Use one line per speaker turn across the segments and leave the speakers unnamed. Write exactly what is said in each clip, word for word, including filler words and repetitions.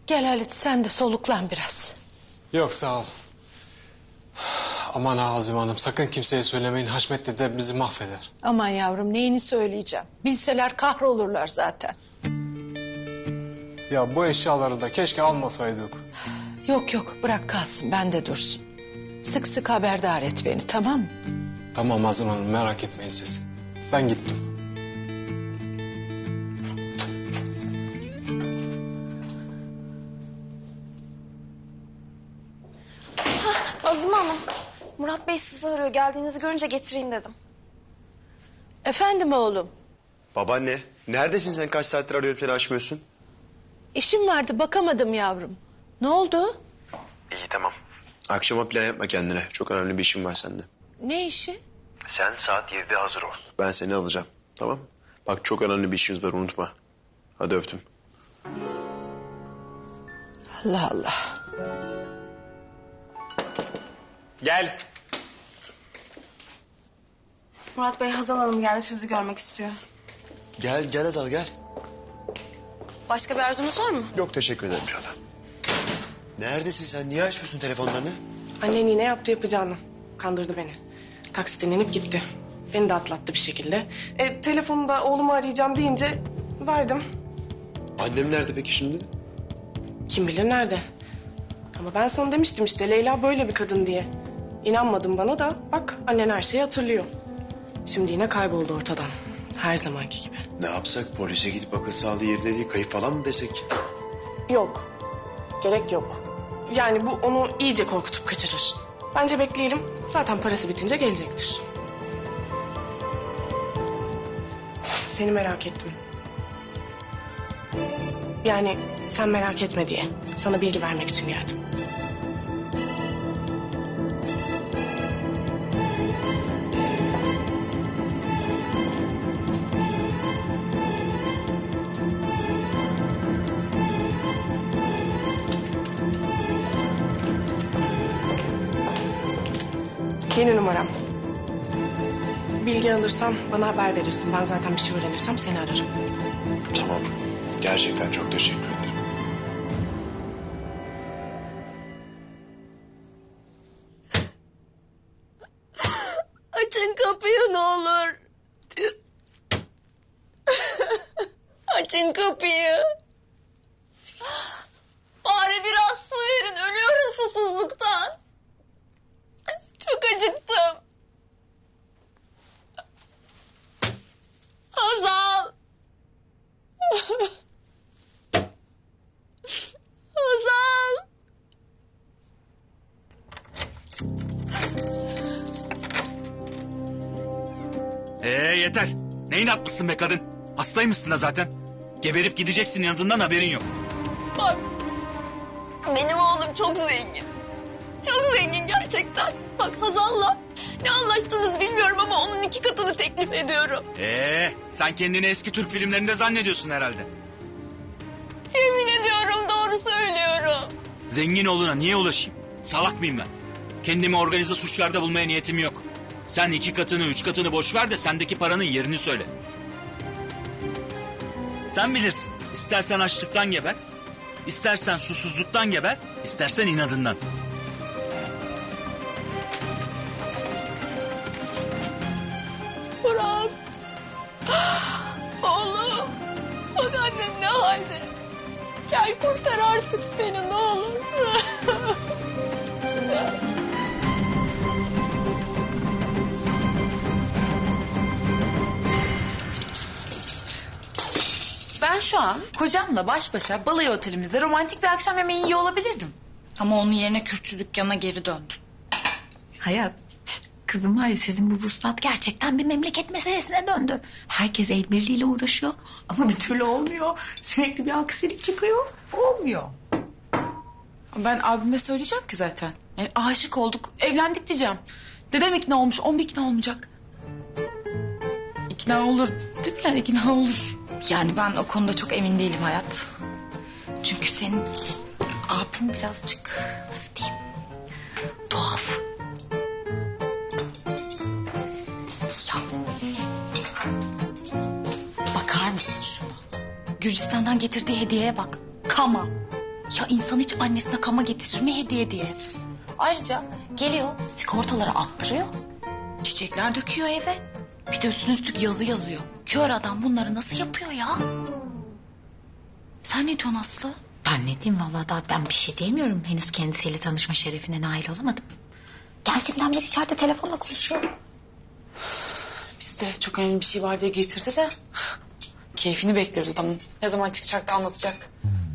Gel Halit sen de soluklan biraz.
Yok sağ ol. Aman ha Azime Hanım sakın kimseye söylemeyin. Haşmet dede bizi mahveder.
Aman yavrum neyini söyleyeceğim. Bilseler kahrolurlar zaten.
Ya bu eşyaları da keşke almasaydık.
Yok yok bırak kalsın bende dursun. Sık sık haberdar et beni tamam mı?
Tamam Azime Hanım merak etmeyin siz. Ben gittim.
Azime Hanım, Murat Bey sizi arıyor. Geldiğinizi görünce getireyim dedim.
Efendim oğlum.
Babaanne, neredesin sen? Kaç saattir arıyorum seni açmıyorsun.
İşim vardı bakamadım yavrum. Ne oldu?
İyi tamam. Akşama plan yapma kendine. Çok önemli bir işim var sende.
Ne işi?
Sen saat yedide hazır ol. Ben seni alacağım. Tamam. Bak çok önemli bir işimiz var unutma. Hadi öptüm.
Allah Allah.
Gel.
Murat Bey, Hazal Hanım geldi. Sizi görmek istiyor.
Gel, gel Azal gel.
Başka bir arzunuz var mı?
Yok teşekkür ederim Çağla. Neredesin sen? Niye açmıyorsun telefonlarını?
Annen yine yaptı yapacağını. Kandırdı beni. Taksiden inip gitti. Beni de atlattı bir şekilde. E, telefonu da oğlumu arayacağım deyince verdim.
Annem nerede peki şimdi?
Kim bilir nerede. Ama ben sana demiştim işte Leyla böyle bir kadın diye. İnanmadın bana da bak annen her şeyi hatırlıyor. Şimdi yine kayboldu ortadan. Her zamanki gibi.
Ne yapsak? Polise gidip akıl sağlığı yerinde değil kayıp falan mı desek?
Yok. Gerek yok. Yani bu onu iyice korkutup kaçırır. Bence bekleyelim. Zaten parası bitince gelecektir. Seni merak ettim. Yani sen merak etme diye. Sana bilgi vermek için geldim. Yeni numaram. Bilgi alırsam bana haber verirsin. Ben zaten bir şey öğrenirsem seni ararım.
Tamam. Gerçekten çok teşekkür ederim.
Açın kapıyı ne olur. Açın kapıyı. Bari biraz su verin. Ölüyorum susuzluktan. Çok acıktım. Hazal. Hazal.
Ee yeter. Ne inatmışsın be kadın? Hastaymışsın da zaten. Geberip gideceksin yanından haberin yok.
Bak. Benim oğlum çok zengin. Çok zengin gerçekten. Bak Hazal'la ne anlaştınız bilmiyorum ama onun iki katını teklif ediyorum.
Ee sen kendini eski Türk filmlerinde zannediyorsun herhalde.
Yemin ediyorum doğru söylüyorum.
Zengin oğluna niye ulaşayım? Salak mıyım ben? Kendimi organize suçlarda bulmaya niyetim yok. Sen iki katını, üç katını boş ver de sendeki paranın yerini söyle. Sen bilirsin. İstersen açlıktan geber, istersen susuzluktan geber, istersen inadından.
Murat. Oğlum. Bak annen ne halde. Gel kurtar artık beni ne olur.
Ben şu an kocamla baş başa balayı otelimizde romantik bir akşam yemeği yiyor olabilirdim. Ama onun yerine kürkçü dükkanına geri döndüm.
Hayat, kızım var ya sizin bu vuslat gerçekten bir memleket meselesine döndü. Herkes el birliğiyle uğraşıyor ama bir türlü olmuyor. Sürekli bir aksilik çıkıyor, olmuyor.
Ben abime söyleyeceğim ki zaten. Yani aşık olduk, evlendik diyeceğim. Dedem ikna olmuş, on bir ikna olmayacak. İkna olur değil mi yani ikna olur.
Yani ben o konuda çok emin değilim Hayat. Çünkü senin abin birazcık nasıl diyeyim tuhaf. Ya bakar mısın şuna? Gürcistan'dan getirdiği hediyeye bak. Kama.
Ya insan hiç annesine kama getirir mi hediye diye? Ayrıca geliyor sigortaları attırıyor. Çiçekler döküyor eve. Bir de üstüne üstlük yazı yazıyor. Kör adam bunları nasıl yapıyor ya? Sen ne diyorsun Aslı?
Ben ne diyeyim vallahi daha ben bir şey diyemiyorum. Henüz kendisiyle tanışma şerefine nail olamadım. Geldiğimden beri içeride telefonla konuşuyorum.
Biz de çok önemli bir şey var diye getirdi de keyfini bekliyoruz adamın. Ne zaman çıkacak da anlatacak.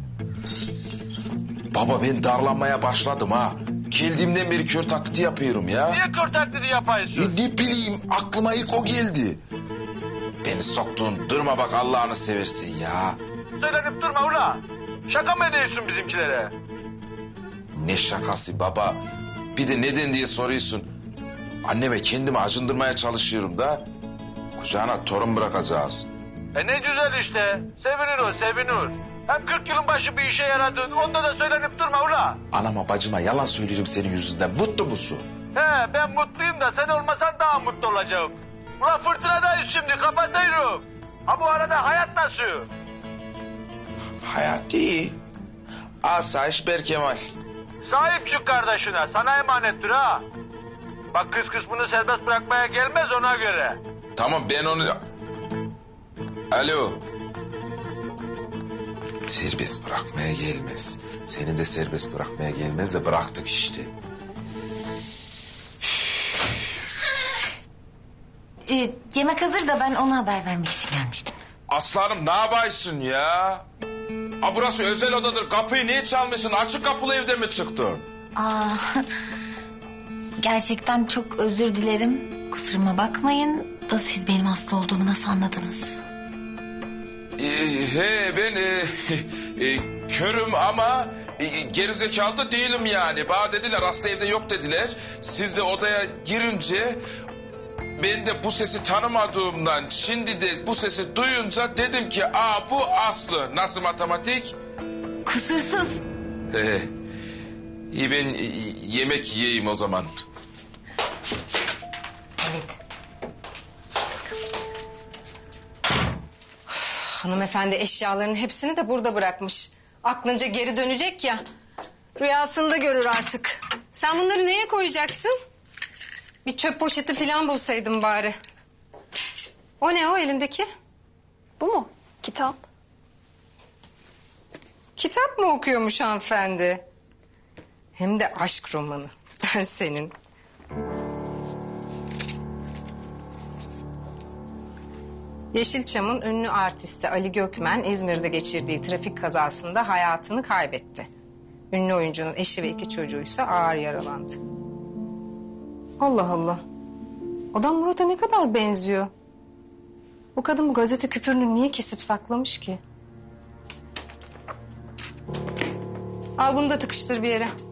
Baba ben darlanmaya başladım ha. Geldiğimden beri kör taklidi yapıyorum ya.
Niye kör taklidi yapıyorsun?
E, ne bileyim aklıma ilk o geldi. Beni soktun durma bak Allah'ını seversin ya.
Söylenip durma ula. Şaka mı ediyorsun bizimkilere?
Ne şakası baba. Bir de neden diye soruyorsun. Anneme kendimi acındırmaya çalışıyorum da. Kucağına torun bırakacağız.
E ne güzel işte. Sevinir o, sevinir. Hem kırk yılın başı bir işe yaradın. Onda da söylenip durma ula.
Anama bacıma yalan söylerim senin yüzünden. Mutlu musun?
He ben mutluyum da sen olmasan daha mutlu olacağım. Ula fırtınadayız şimdi kapatıyorum. Ha bu arada hayat nasıl?
Hayat iyi. Asayiş Berkemal.
Sahip çık kardeşine. Sana emanettir ha. Bak kız kısmını serbest bırakmaya gelmez ona göre.
Tamam ben onu... Alo. Serbest bırakmaya gelmez. Seni de serbest bırakmaya gelmez de bıraktık işte.
Ee, yemek hazır da ben ona haber vermek için gelmiştim.
Aslanım ne yapıyorsun ya? Ha burası özel odadır. Kapıyı niye çalmışsın? Açık kapılı evde mi çıktın?
Aa, gerçekten çok özür dilerim. Kusuruma bakmayın da siz benim hasta olduğumu nasıl anladınız?
Ee, he ben e, e, körüm ama e, gerizekalı da değilim yani. Bana dediler hasta evde yok dediler. Siz de odaya girince ben de bu sesi tanımadığımdan şimdi de bu sesi duyunca dedim ki aa bu Aslı. Nasıl matematik?
Kusursuz.
Ee, iyi ben e, yemek yiyeyim o zaman.
Evet.
Hanımefendi eşyalarının hepsini de burada bırakmış. Aklınca geri dönecek ya. Rüyasında görür artık. Sen bunları neye koyacaksın? Bir çöp poşeti falan bulsaydın bari. O ne o elindeki?
Bu mu? Kitap.
Kitap mı okuyormuş hanımefendi? Hem de aşk romanı. Ben senin. Yeşilçam'ın ünlü artisti Ali Gökmen İzmir'de geçirdiği trafik kazasında hayatını kaybetti. Ünlü oyuncunun eşi ve iki çocuğuysa ağır yaralandı. Allah Allah. Adam Murat'a ne kadar benziyor. Bu kadın bu gazete küpürünü niye kesip saklamış ki? Al bunu da tıkıştır bir yere.